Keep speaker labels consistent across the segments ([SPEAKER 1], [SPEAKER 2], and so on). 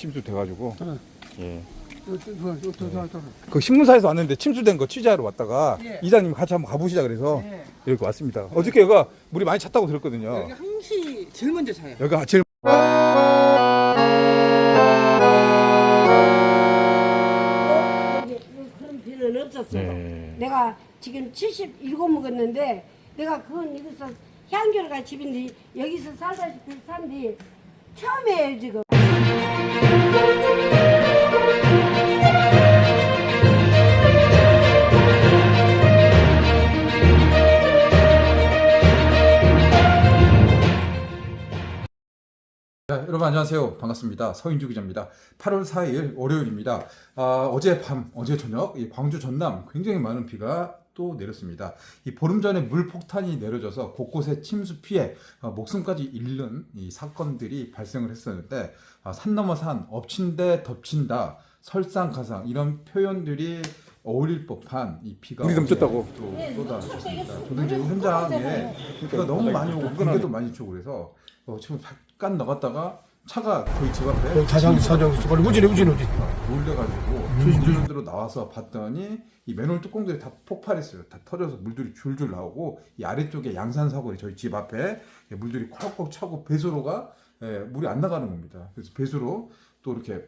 [SPEAKER 1] 침수돼가지고.
[SPEAKER 2] 어.
[SPEAKER 1] 예.
[SPEAKER 2] 또.
[SPEAKER 1] 그 신문사에서 왔는데 침수된 거 취재하러 왔다가
[SPEAKER 2] 예.
[SPEAKER 1] 이장님 같이 한번 가보시자 그래서
[SPEAKER 2] 예.
[SPEAKER 1] 이렇게 왔습니다. 어저께 여기가 물이 많이 찼다고 들었거든요.
[SPEAKER 2] 여기 항시 제일 먼저 차요.
[SPEAKER 1] 여기가 제일
[SPEAKER 3] 그런 비는 없었어요.
[SPEAKER 1] 네.
[SPEAKER 3] 내가 지금 77 먹었는데 내가 그건 여기서 향교가 집인데 여기서 살다시피 산뒤 처음이에요 지금.
[SPEAKER 1] 네, 여러분 안녕하세요. 반갑습니다. 서인주 기자입니다. 8월 4일 월요일입니다. 어젯밤, 어제 저녁 이 광주 전남 굉장히 많은 비가 또 내렸습니다. 이 보름 전에 물 폭탄이 내려져서 곳곳에 침수 피해 목숨까지 잃는 이 사건들이 발생을 했었는데 산 넘어 산, 엎친 데 덮친다, 설상가상 이런 표현들이 어울릴 법한 이 비가
[SPEAKER 4] 물이 넘쳤다고.
[SPEAKER 1] 또 쏟아졌습니다. 저도 이제 현장에 비가 너무 많이 오고 공기도 많이 치고 그래서 지금 잠깐 나갔다가 차가 저희 집 앞에
[SPEAKER 2] 자장 우진이.
[SPEAKER 1] 놀래가지고 주변으로 나와서 봤더니 이 맨홀 뚜껑들이 다 폭발했어요. 다 터져서 물들이 줄줄 나오고 이 아래쪽에 양산 사거리 저희 집 앞에 물들이 콱콱 차고 배수로가 물이 안 나가는 겁니다. 그래서 배수로 또 이렇게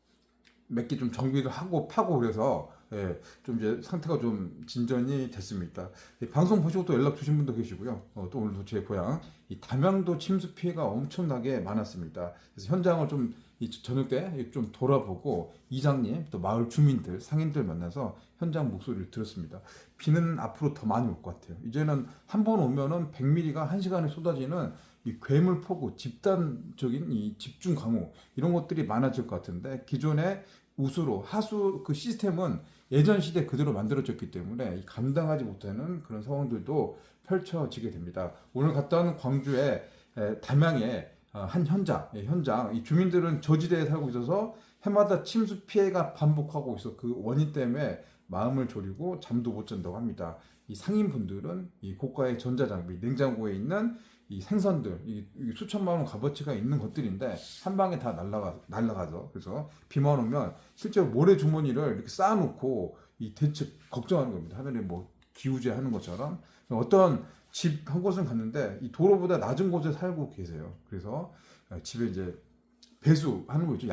[SPEAKER 1] 몇 개 좀 정비를 하고 파고 그래서 좀 이제 상태가 좀 진전이 됐습니다. 방송 보시고 또 연락 주신 분도 계시고요. 또 오늘도 제 고향 이 담양도 침수 피해가 엄청나게 많았습니다. 그래서 현장을 좀 저녁 때 좀 돌아보고 이장님 또 마을 주민들 상인들 만나서 현장 목소리를 들었습니다. 비는 앞으로 더 많이 올 것 같아요. 이제는 한 번 오면은 100mm가 1시간에 쏟아지는 이 괴물폭우, 집단적인 이 집중 강우 이런 것들이 많아질 것 같은데 기존의 우수로 하수 그 시스템은 예전 시대 그대로 만들어졌기 때문에 감당하지 못하는 그런 상황들도 펼쳐지게 됩니다. 오늘 갔다 온 광주의 담양의 한 현장 이 주민들은 저지대에 살고 있어서 해마다 침수 피해가 반복하고 있어 그 원인 때문에 마음을 졸이고 잠도 못 잔다고 합니다. 이 상인분들은 이 고가의 전자장비, 냉장고에 있는 이 생선들, 이 수천만 원 값어치가 있는 것들인데 한 방에 다 날라가서 그래서 비만 오면 실제로 모래 주머니를 이렇게 쌓아놓고 이 대책 걱정하는 겁니다. 하늘에 뭐 기우제 하는 것처럼 어떤 집 한 곳은 갔는데 이 도로보다 낮은 곳에 살고 계세요. 그래서 집에 이제 배수하는 거 있죠.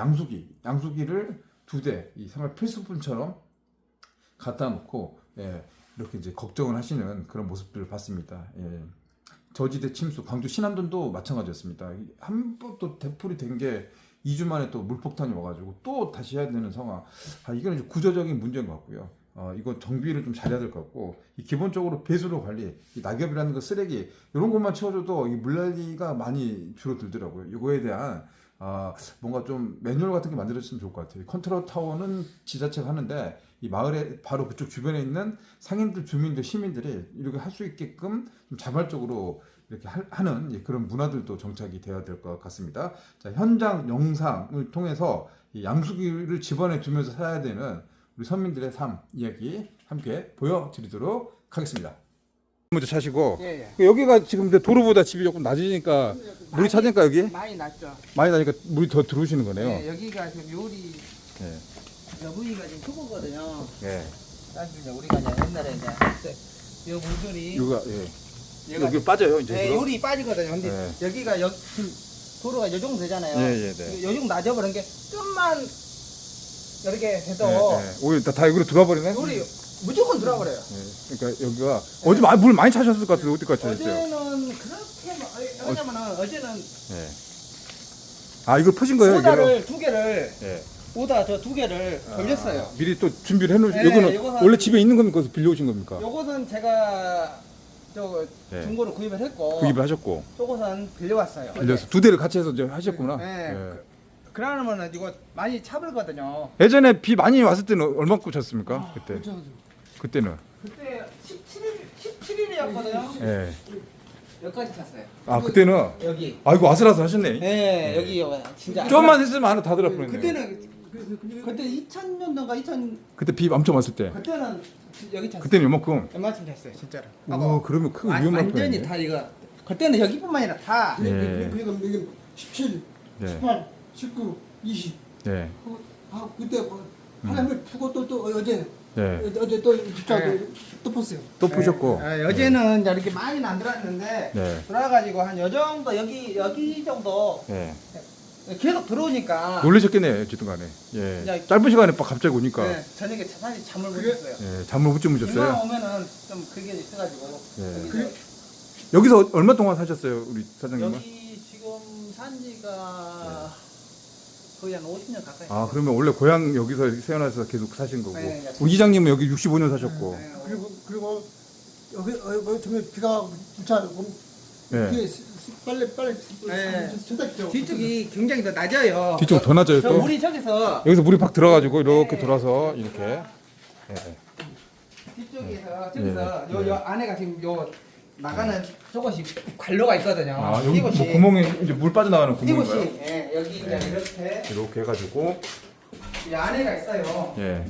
[SPEAKER 1] 양수기를 2대 이 생활 필수품처럼 갖다 놓고 이렇게 이제 걱정을 하시는 그런 모습들을 봤습니다. 저지대 침수, 광주 신안동도 마찬가지였습니다. 한 번 또 대풀이 된 게 2주 만에 또 물폭탄이 와가지고 또 다시 해야 되는 상황. 이건 이제 구조적인 문제인 것 같고요. 이건 정비를 좀 잘해야 될 것 같고, 이 기본적으로 배수로 관리, 이 낙엽이라는 거 쓰레기 이런 것만 치워줘도 이 물난리가 많이 줄어들더라고요. 이거에 대한 뭔가 좀 매뉴얼 같은 게 만들어졌으면 좋을 것 같아요. 컨트롤 타워는 지자체가 하는데 이 마을에 바로 그쪽 주변에 있는 상인들, 주민들, 시민들이 이렇게 할 수 있게끔 좀 자발적으로 이렇게 하는 그런 문화들도 정착이 되어야 될 것 같습니다. 자, 현장 영상을 통해서 이 양수기를 집안에 두면서 살아야 되는 우리 서민들의 삶 이야기 함께 보여드리도록 하겠습니다.
[SPEAKER 4] 먼저 차시고
[SPEAKER 2] 예.
[SPEAKER 4] 여기가 지금 근데 도로보다 집이 조금 낮으니까 물이 차니까 여기
[SPEAKER 2] 많이 났죠.
[SPEAKER 4] 많이 나니까 물이 더 들어오시는 거네요.
[SPEAKER 2] 예, 여기가 지금 요리
[SPEAKER 4] 예.
[SPEAKER 2] 여부위가 지금 초보거든요.
[SPEAKER 4] 예.
[SPEAKER 2] 사실 이제 우리가 이제 옛날에 이제 할때 요 물들이
[SPEAKER 4] 여기가
[SPEAKER 2] 얘가
[SPEAKER 4] 여기 빠져요 이제.
[SPEAKER 2] 예,
[SPEAKER 4] 그거?
[SPEAKER 2] 요리 빠지거든요. 근데
[SPEAKER 4] 네.
[SPEAKER 2] 여기가 도로가 요 정도 되잖아요.
[SPEAKER 4] 네.
[SPEAKER 2] 요 정도 낮아버린 게 좀만 이렇게 돼도
[SPEAKER 4] 오히려 다 여기로 들어와 버리네.
[SPEAKER 2] 요리 무조건 들어버려요.
[SPEAKER 4] 그러니까 여기가 어제 물 많이 차셨을 것 같은데 어디까지 차셨어요?
[SPEAKER 2] 어제는 그렇게 왜냐면은 어제는
[SPEAKER 4] 이거 퍼진 거예요 이거?
[SPEAKER 2] 오다를 두 개를
[SPEAKER 4] 예.
[SPEAKER 2] 오다 저 두 개를 돌렸어요.
[SPEAKER 4] 미리 또 준비를 해놓으시.
[SPEAKER 2] 네,
[SPEAKER 4] 여기는
[SPEAKER 2] 이거는-
[SPEAKER 4] 원래 집에 있는 겁니까? 빌려오신 겁니까?
[SPEAKER 2] 요것은 제가 저
[SPEAKER 4] 네.
[SPEAKER 2] 중고로 구입을 했고
[SPEAKER 4] 구입을 하셨고
[SPEAKER 2] 요것은 빌려왔어요.
[SPEAKER 4] 빌려서 2대를 같이 해서 이제 하셨구나.
[SPEAKER 2] 네.
[SPEAKER 4] 예.
[SPEAKER 2] 그러면은 이거 많이 차불거든요.
[SPEAKER 4] 예전에 비 많이 왔을 때는 얼마큼 찼습니까? 그때. 그때는.
[SPEAKER 2] 그때 17일이었거든요.
[SPEAKER 4] 예.
[SPEAKER 2] 여기까지 찼어요.
[SPEAKER 4] 그때는
[SPEAKER 2] 여기.
[SPEAKER 4] 이거 아슬아슬하셨네.
[SPEAKER 2] 네, 여기 진짜.
[SPEAKER 4] 좀만 했으면 하나 다 들어버렸네.
[SPEAKER 2] 그때 2000년도인가 2000
[SPEAKER 4] 그때 비 엄청 왔을 때.
[SPEAKER 2] 그때는 여기 찼어요.
[SPEAKER 4] 그때는 요만큼.
[SPEAKER 2] 얼마쯤 찼어요, 진짜로.
[SPEAKER 4] 그러면 큰 위험할
[SPEAKER 2] 완전히
[SPEAKER 4] 뻔했네.
[SPEAKER 2] 다 이거. 그때는 여기뿐만 아니라 다.
[SPEAKER 4] 예.
[SPEAKER 5] 지금 17,
[SPEAKER 4] 네.
[SPEAKER 5] 18, 19, 20
[SPEAKER 4] 네.
[SPEAKER 5] 그때 뭐 바람을 푸고 또 어제
[SPEAKER 4] 네.
[SPEAKER 5] 어제 또
[SPEAKER 2] 네.
[SPEAKER 5] 덮었어요.
[SPEAKER 4] 또 푸셨고.
[SPEAKER 2] 어제는 이제 이렇게 많이는 안 들어왔는데
[SPEAKER 4] 네.
[SPEAKER 2] 들어와가지고 한 요 정도 여기 정도
[SPEAKER 4] 네.
[SPEAKER 2] 계속 들어오니까
[SPEAKER 4] 놀라셨겠네요, 지동간에. 예.
[SPEAKER 2] 야,
[SPEAKER 4] 짧은 시간에 막 갑자기 오니까.
[SPEAKER 2] 네, 저녁에 사실 잠을 못 잤어요.
[SPEAKER 4] 예, 잠을 못 주무셨어요.
[SPEAKER 2] 이만 오면은 좀 그게 있어가지고
[SPEAKER 4] 네.
[SPEAKER 2] 여기서
[SPEAKER 4] 여기서 얼마 동안 사셨어요, 우리 사장님은?
[SPEAKER 2] 여기 지금 산지가 거의 한 50년 가까이.
[SPEAKER 4] 아, 그러면 원래 고향 여기서 태어나서 계속 사신 거고.
[SPEAKER 2] 네, 네.
[SPEAKER 4] 우리 이장님은 여기 65년 사셨고.
[SPEAKER 2] 네,
[SPEAKER 5] 그리고 여기 정말 비가 부차고
[SPEAKER 4] 네.
[SPEAKER 5] 뒤에 빨래
[SPEAKER 2] 네.
[SPEAKER 5] 세탁기죠.
[SPEAKER 2] 뒤쪽이 굉장히 더 낮아요.
[SPEAKER 4] 뒤쪽 더 낮아요,
[SPEAKER 2] 저
[SPEAKER 4] 또.
[SPEAKER 2] 물이 저기서
[SPEAKER 4] 여기서 물이 팍 들어가지고 이렇게
[SPEAKER 2] 네.
[SPEAKER 4] 돌아서 이렇게. 예.
[SPEAKER 2] 뒤쪽에서
[SPEAKER 4] 네.
[SPEAKER 2] 저기서
[SPEAKER 4] 네.
[SPEAKER 2] 요 안에가 지금 요 나가는 저것이 관로가 있거든요.
[SPEAKER 4] 아, 여기 뭐
[SPEAKER 2] 이곳이
[SPEAKER 4] 구멍에 이제 물 빠져나가는
[SPEAKER 2] 이곳이
[SPEAKER 4] 구멍인가요?
[SPEAKER 2] 예, 여기 이제 이렇게
[SPEAKER 4] 이렇게 해가지고.
[SPEAKER 2] 이 안에가 있어요.
[SPEAKER 4] 예.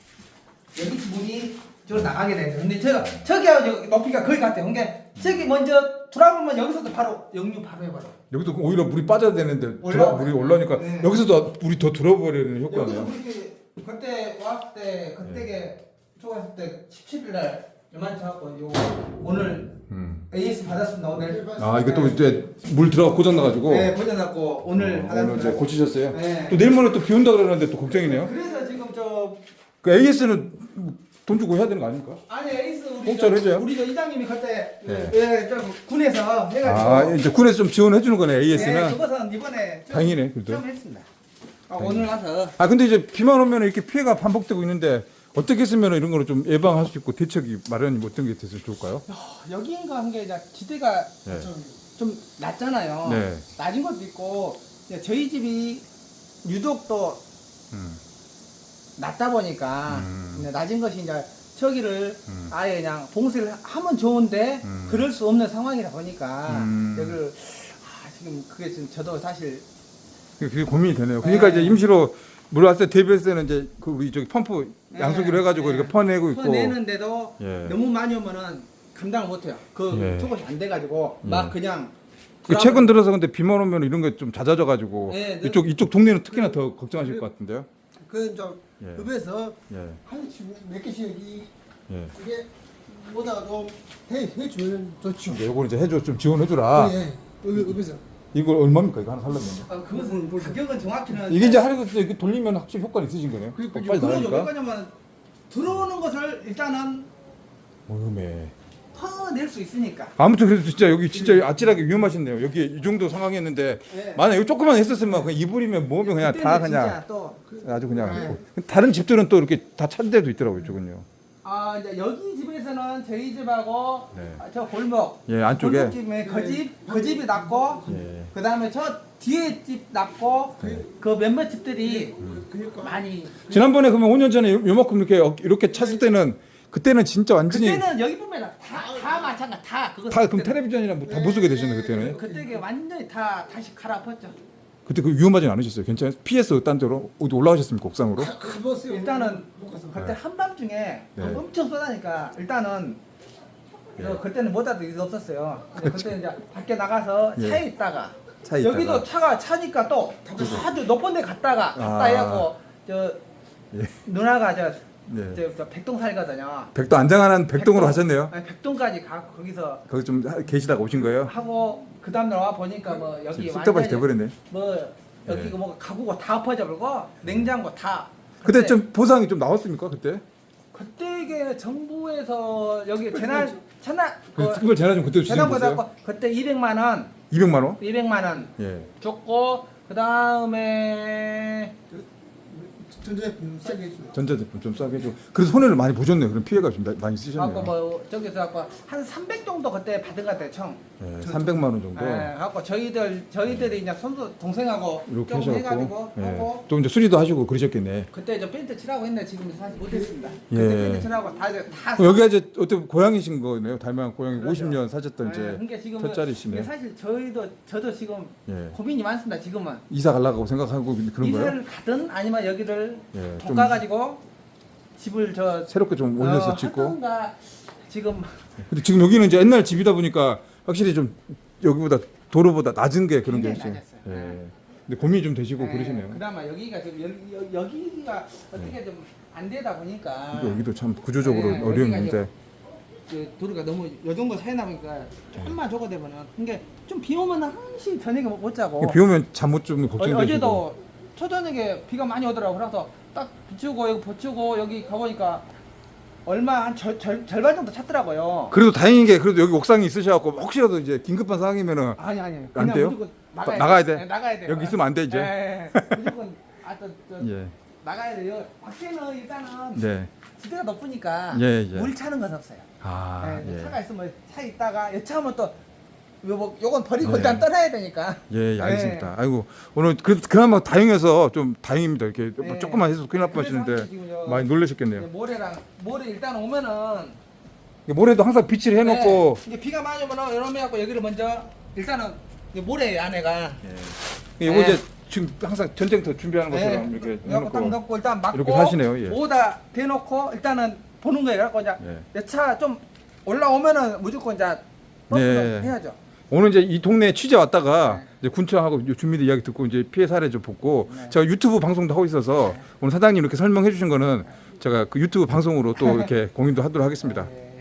[SPEAKER 2] 여기 물이 저 나가게 되죠. 근데 저기하고 여기 높이가 거의 같아요. 그러니까 저기 먼저 돌아보면 여기서도 바로 역류 바로 해버려.
[SPEAKER 4] 여기도 오히려 물이 빠져야 되는데
[SPEAKER 2] 올라와요.
[SPEAKER 4] 물이 올라오니까
[SPEAKER 2] 네.
[SPEAKER 4] 여기서도 물이 더 들어버리는
[SPEAKER 2] 여기서
[SPEAKER 4] 효과네요.
[SPEAKER 2] 그렇게 그때 왔을 때 그때게 초과했을 때 17일 날 요만치 갖고 요 오늘 AS 받았습니다 오늘.
[SPEAKER 4] 아, 이게 또 이제 물 들어가 고장 나가지고.
[SPEAKER 2] 네 고장났고 오늘
[SPEAKER 4] 오늘
[SPEAKER 2] 받았습니다.
[SPEAKER 4] 이제 고치셨어요?
[SPEAKER 2] 네.
[SPEAKER 4] 또 내일 모레 또 비 온다 그러는데 또 걱정이네요.
[SPEAKER 2] 그래서 지금 저
[SPEAKER 4] 그 AS는 돈 주고 해야 되는 거 아닙니까?
[SPEAKER 2] 아니 에이스 우리
[SPEAKER 4] 공짜로 해줘요?
[SPEAKER 2] 우리 저 이장님이 그때
[SPEAKER 4] 네.
[SPEAKER 2] 예, 저 군에서 해가지고
[SPEAKER 4] 아, 이제 군에서 좀 지원해 주는 거네,
[SPEAKER 2] 예,
[SPEAKER 4] AS는.
[SPEAKER 2] 그것은 이번에 좀-
[SPEAKER 4] 다행이네, 그래도.
[SPEAKER 2] 좀 했습니다. 오늘 와서
[SPEAKER 4] 아, 근데 이제 비만 오면 이렇게 피해가 반복되고 있는데 어떻게 했으면 이런 거를 좀 예방할 수 있고 대책이 마련이 어떤 게 됐으면 좋을까요?
[SPEAKER 2] 여기인가 한 게 이제 지대가
[SPEAKER 4] 네.
[SPEAKER 2] 좀 낮잖아요.
[SPEAKER 4] 네.
[SPEAKER 2] 낮은 것도 있고 이제 저희 집이 유독 또
[SPEAKER 4] 음.
[SPEAKER 2] 낮다 보니까 이제 낮은 것이 이제 저기를
[SPEAKER 4] 음.
[SPEAKER 2] 아예 그냥 봉쇄를 하면 좋은데 그럴 수 없는 상황이다 보니까 여기를 지금 그게 지금 저도 사실
[SPEAKER 4] 그게 고민이 되네요. 그러니까
[SPEAKER 2] 네.
[SPEAKER 4] 이제 임시로 물 왔을 때 대비했을 때는 이제 그 우리 저기 펌프 양수기로 해가지고
[SPEAKER 2] 네.
[SPEAKER 4] 이렇게 퍼내고 있고.
[SPEAKER 2] 내는데도
[SPEAKER 4] 예.
[SPEAKER 2] 너무 많이 오면은 감당을 못해요. 그
[SPEAKER 4] 예.
[SPEAKER 2] 저것이 안 돼가지고 막 그냥
[SPEAKER 4] 그 최근 들어서 근데 비만 오면 이런 게 좀 잦아져가지고
[SPEAKER 2] 네,
[SPEAKER 4] 이쪽 동네는 특히나 더 걱정하실 것 같은데요.
[SPEAKER 5] 그저
[SPEAKER 4] 예.
[SPEAKER 5] 읍에서
[SPEAKER 4] 예.
[SPEAKER 5] 몇 개씩
[SPEAKER 4] 예.
[SPEAKER 5] 이게 뭐다 좀 해주면 좋죠.
[SPEAKER 4] 이제 요거 이제 해줘 좀 지원해주라.
[SPEAKER 5] 예, 읍에서.
[SPEAKER 4] 이거 얼마입니까? 이거 하나 살려면?
[SPEAKER 2] 그것은 가격은 정확히는
[SPEAKER 4] 이게 이제 하루 때 이렇게 돌리면 확실히 효과는 있으신 거네요.
[SPEAKER 5] 그러니까
[SPEAKER 4] 빨리
[SPEAKER 2] 그거죠. 왜
[SPEAKER 4] 나가니까.
[SPEAKER 2] 그러냐면 들어오는 것을 일단은
[SPEAKER 4] 위험해.
[SPEAKER 2] 퍼낼 수 있으니까.
[SPEAKER 4] 아무튼 그래도 진짜 여기 진짜 아찔하게 위험하시네요. 여기 이 정도 상황이었는데
[SPEAKER 2] 네.
[SPEAKER 4] 만약 여기 조금만 했었으면 그냥 이불이면 뭐면 그냥 다
[SPEAKER 2] 그때는
[SPEAKER 4] 그냥
[SPEAKER 2] 진짜 또
[SPEAKER 4] 아주 그냥 다른 집들은 또 이렇게 다 찬 데도 있더라고요. 이쪽은요.
[SPEAKER 2] 이제 여기 집에서는 저희 집하고
[SPEAKER 4] 네.
[SPEAKER 2] 저 골목
[SPEAKER 4] 예, 안쪽에.
[SPEAKER 2] 골목집에 그 집이 낮고
[SPEAKER 4] 예.
[SPEAKER 2] 그다음에 저 뒤에 집 낮고 그 몇몇 집들이
[SPEAKER 5] 그러니까
[SPEAKER 2] 많이
[SPEAKER 4] 지난번에 그러면 5년 전에 요만큼 이렇게 찼을 때는 그때는 진짜 완전히
[SPEAKER 2] 그때는 여기 보면 다 마찬가지 다 그거
[SPEAKER 4] 다 그럼 텔레비전이랑 뭐다 못쓰게 되셨네 그때는.
[SPEAKER 2] 그때 완전히 다 다시 갈아엎었죠.
[SPEAKER 4] 그때 그 위험하진 않으셨어요? 괜찮아요? 피해서 딴 데로 어디 올라가셨습니까? 옥상으로?
[SPEAKER 5] 가봤어요.
[SPEAKER 2] 일단은
[SPEAKER 5] 못 가서.
[SPEAKER 2] 그때 한밤중에
[SPEAKER 4] 네.
[SPEAKER 2] 엄청 쏟아니까 일단은 그때는 뭐다도 일 없었어요. 근데 그때 이제 밖에 나가서
[SPEAKER 4] 예.
[SPEAKER 2] 차에 있다가
[SPEAKER 4] 차에
[SPEAKER 2] 여기도
[SPEAKER 4] 있다가.
[SPEAKER 2] 차가 차니까 또 아주 높은 데 갔다 해갖고 저
[SPEAKER 4] 예.
[SPEAKER 2] 누나가
[SPEAKER 4] 네.
[SPEAKER 2] 저 백동 살거든요.
[SPEAKER 4] 백도 안장하는 백동으로 가셨네요.
[SPEAKER 2] 아니, 백동까지 가 거기서
[SPEAKER 4] 거기 좀 계시다가 오신 거예요?
[SPEAKER 2] 하고 그 다음날 와 보니까 뭐 여기
[SPEAKER 4] 쑥대밭이 돼버렸네.
[SPEAKER 2] 뭐 여기
[SPEAKER 4] 네.
[SPEAKER 2] 뭐 가구가 다 엎어져 버리고 냉장고 다.
[SPEAKER 4] 그때 좀 보상이 좀 나왔습니까? 그때?
[SPEAKER 2] 그때 이게 정부에서 여기 재난
[SPEAKER 4] 그걸 제가 좀 그때 주신
[SPEAKER 2] 재난
[SPEAKER 4] 거어요
[SPEAKER 2] 받았고 그때 200만 원
[SPEAKER 4] 200만 원?
[SPEAKER 2] 200만 원
[SPEAKER 4] 예.
[SPEAKER 2] 줬고 그 다음에
[SPEAKER 5] 전자제품 싸게 해줘.
[SPEAKER 4] 전자제품 좀 싸게 해주고. 그래서 손해를 많이 보셨네요. 그럼 피해가 좀 많이 쓰셨네요.
[SPEAKER 2] 갖고 뭐 저기서 갖고 한 300 정도 그때 받은 것 같아요 총.
[SPEAKER 4] 예, 300만 원 정도.
[SPEAKER 2] 예, 갖고 저희들이 이제 손수 동생하고
[SPEAKER 4] 이렇게
[SPEAKER 2] 조금
[SPEAKER 4] 하셔갖고.
[SPEAKER 2] 해가지고
[SPEAKER 4] 예.
[SPEAKER 2] 하고
[SPEAKER 4] 좀 이제 수리도 하시고 그러셨겠네.
[SPEAKER 2] 그때 저 페인트 칠하고 했는데 지금 사실 못했습니다.
[SPEAKER 4] 예.
[SPEAKER 2] 그때 페인트 칠하고 다
[SPEAKER 4] 여기가 이제 어떻게 고향이신 거네요. 달만 고향이
[SPEAKER 2] 그렇죠.
[SPEAKER 4] 50년 사셨던 이제
[SPEAKER 2] 그러니까 지금
[SPEAKER 4] 푯자리시네.
[SPEAKER 2] 이게 사실 저도 지금
[SPEAKER 4] 예.
[SPEAKER 2] 고민이 많습니다. 지금은
[SPEAKER 4] 이사 가려고 생각하고 그런 거예요?
[SPEAKER 2] 이사를 가든 아니면 여기를
[SPEAKER 4] 예,
[SPEAKER 2] 돈
[SPEAKER 4] 좀
[SPEAKER 2] 가가지고 집을 저
[SPEAKER 4] 새롭게 좀 올려서 짓고.
[SPEAKER 2] 하던가 지금
[SPEAKER 4] 근데 지금 여기는 이제 옛날 집이다 보니까 확실히 좀 여기보다 도로보다 낮은 게 그런 게
[SPEAKER 2] 굉장히
[SPEAKER 4] 있어요.
[SPEAKER 2] 낮았어요.
[SPEAKER 4] 예. 근데 고민이 좀 되시고 그러시네요.
[SPEAKER 2] 그나마 여기가 좀 여기가 어떻게 좀 안 되다 보니까
[SPEAKER 4] 여기도 참 구조적으로
[SPEAKER 2] 네,
[SPEAKER 4] 어려운데.
[SPEAKER 2] 그 도로가 너무 요 정도 사이나 보니까 조금만 저거 되면은 그게 좀 비 오면은 한시 저녁에 못 자고.
[SPEAKER 4] 비 오면 잠 못 좀 걱정되시고.
[SPEAKER 2] 어제도 초저녁에 비가 많이 오더라고. 그래서 딱 비추고 여기 버추고 여기 가보니까 얼마 한 절반 정도 찼더라고요.
[SPEAKER 4] 그래도 다행인 게 그래도 여기 옥상이 있으셔갖고 혹시라도 이제 긴급한 상황이면은
[SPEAKER 2] 아니
[SPEAKER 4] 안
[SPEAKER 2] 그냥
[SPEAKER 4] 돼요?
[SPEAKER 2] 무조건
[SPEAKER 4] 나가야 돼?
[SPEAKER 2] 네, 나가야 돼.
[SPEAKER 4] 여기 있으면 안 돼, 이제?
[SPEAKER 2] 네, 무조건
[SPEAKER 4] 예.
[SPEAKER 2] 나가야 돼요. 밖에는 일단은
[SPEAKER 4] 네.
[SPEAKER 2] 지대가 높으니까
[SPEAKER 4] 예, 예.
[SPEAKER 2] 물 차는 건 없어요.
[SPEAKER 4] 아,
[SPEAKER 2] 네,
[SPEAKER 4] 예.
[SPEAKER 2] 차가 있으면 차 있다가 여차하면 또 요건 버리고
[SPEAKER 4] 네.
[SPEAKER 2] 일단 떠나야 되니까.
[SPEAKER 4] 예, 알겠습니다. 아이고, 오늘 그나마 다행해서 좀 다행입니다. 이렇게
[SPEAKER 2] 네.
[SPEAKER 4] 조금만 해서 큰일 날
[SPEAKER 2] 그래서
[SPEAKER 4] 뻔하시는데
[SPEAKER 2] 지금
[SPEAKER 4] 많이 놀라셨겠네요.
[SPEAKER 2] 모래 일단 오면은
[SPEAKER 4] 모래도 항상 비치를 해놓고
[SPEAKER 2] 네, 이제 비가 많이 오면은 이러면 갖고 여기를 먼저 일단은 이제 모래 안에가
[SPEAKER 4] 이거
[SPEAKER 2] 네.
[SPEAKER 4] 이제 지금 항상 전쟁터 준비하는 것처럼 이렇게
[SPEAKER 2] 이렇게 딱
[SPEAKER 4] 해놓고
[SPEAKER 2] 넣고 일단 막고
[SPEAKER 4] 이렇게 하시네요, 예.
[SPEAKER 2] 모다 대놓고 일단은 보는 거예요. 그래갖고 이제
[SPEAKER 4] 예.
[SPEAKER 2] 내 차 좀 올라오면은 무조건 이제
[SPEAKER 4] 네.
[SPEAKER 2] 해야죠.
[SPEAKER 4] 오늘 이제 이 동네에 취재 왔다가
[SPEAKER 2] 네.
[SPEAKER 4] 이제 군청하고 주민들 이야기 듣고 이제 피해 사례 좀 보고
[SPEAKER 2] 네.
[SPEAKER 4] 제가 유튜브 방송도 하고 있어서 오늘 사장님 이렇게 설명해 주신 거는 제가 그 유튜브 방송으로 또 이렇게 공유도 하도록 하겠습니다.
[SPEAKER 2] 네.